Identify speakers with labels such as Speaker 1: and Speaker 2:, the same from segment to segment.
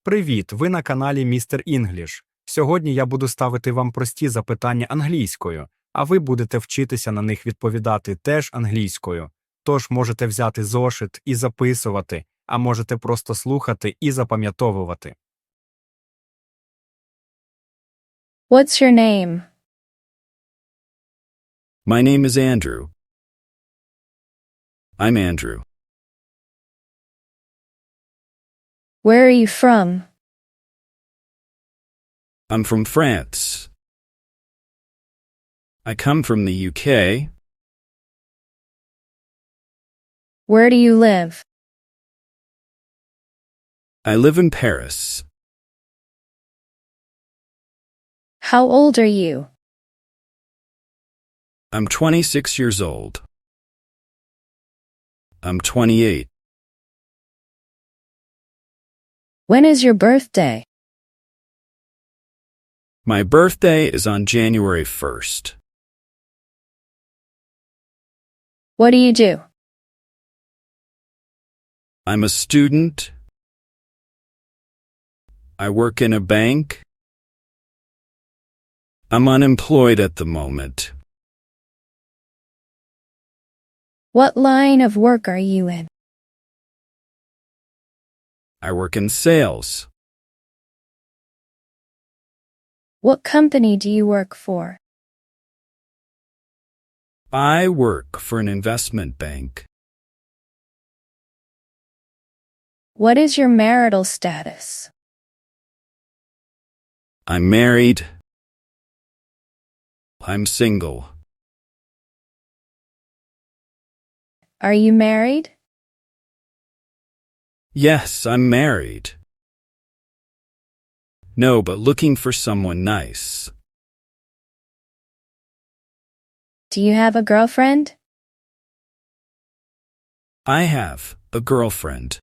Speaker 1: Привіт! Ви на каналі Містер Інгліш. Сьогодні я буду ставити вам прості запитання англійською, а ви будете вчитися на них відповідати теж англійською. Тож можете взяти зошит і записувати, а можете просто слухати і запам'ятовувати.
Speaker 2: What's your name?
Speaker 3: My name is Andrew. I'm Andrew.
Speaker 2: Where are you from?
Speaker 3: I'm from France. I come from the UK.
Speaker 2: Where do you live?
Speaker 3: I live in Paris.
Speaker 2: How old are you?
Speaker 3: I'm 26 years old. I'm 28.
Speaker 2: When is your birthday?
Speaker 3: My birthday is on January 1st.
Speaker 2: What do you do?
Speaker 3: I'm a student. I work in a bank. I'm unemployed at the moment.
Speaker 2: What line of work are you in?
Speaker 3: I work in sales.
Speaker 2: What company do you work for?
Speaker 3: I work for an investment bank.
Speaker 2: What is your marital status?
Speaker 3: I'm married. I'm single.
Speaker 2: Are you married?
Speaker 3: Yes, I'm married. No, but looking for someone nice.
Speaker 2: Do you have a girlfriend?
Speaker 3: I have a girlfriend.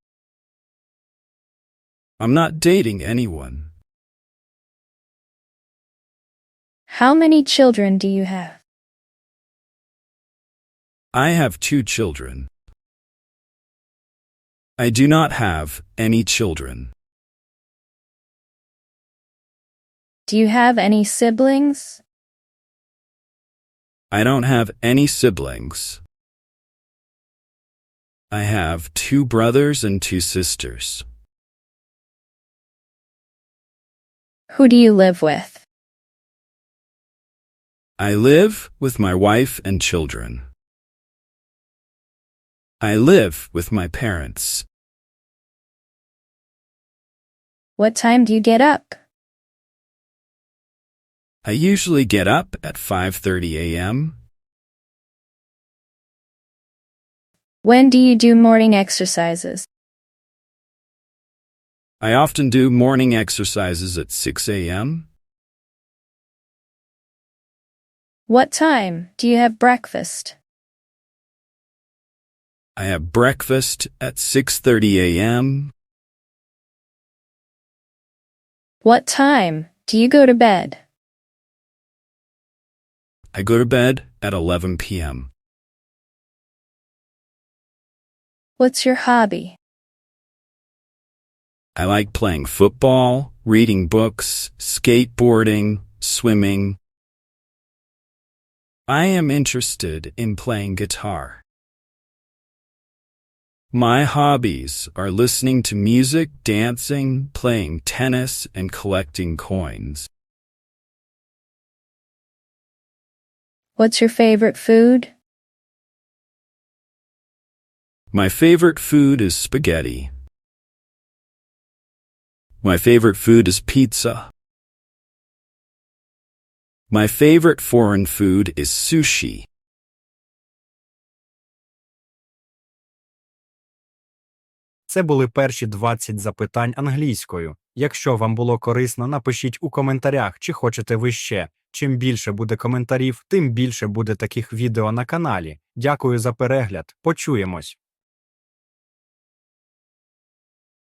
Speaker 3: I'm not dating anyone.
Speaker 2: How many children do you have?
Speaker 3: I have 2 children. I do not have any children.
Speaker 2: Do you have any siblings?
Speaker 3: I don't have any siblings. I have 2 brothers and 2 sisters.
Speaker 2: Who do you live with?
Speaker 3: I live with my wife and children. I live with my parents.
Speaker 2: What time do you get up?
Speaker 3: I usually get up at 5:30 a.m.
Speaker 2: When do you do morning exercises?
Speaker 3: I often do morning exercises at 6 a.m.
Speaker 2: What time do you have breakfast?
Speaker 3: I have breakfast at 6:30 a.m.
Speaker 2: What time do you go to bed?
Speaker 3: I go to bed at 11 p.m.
Speaker 2: What's your hobby?
Speaker 3: I like playing football, reading books, skateboarding, swimming. I am interested in playing guitar. My hobbies are listening to music, dancing, playing tennis, and collecting coins.
Speaker 2: What's your favorite food?
Speaker 3: My favorite food is spaghetti. My favorite food is pizza. My favorite foreign food is sushi.
Speaker 1: Це були перші 20 запитань англійською. Якщо вам було корисно, напишіть у коментарях, чи хочете ви ще. Чим більше буде коментарів, тим більше буде таких відео на каналі. Дякую за перегляд. Почуємось!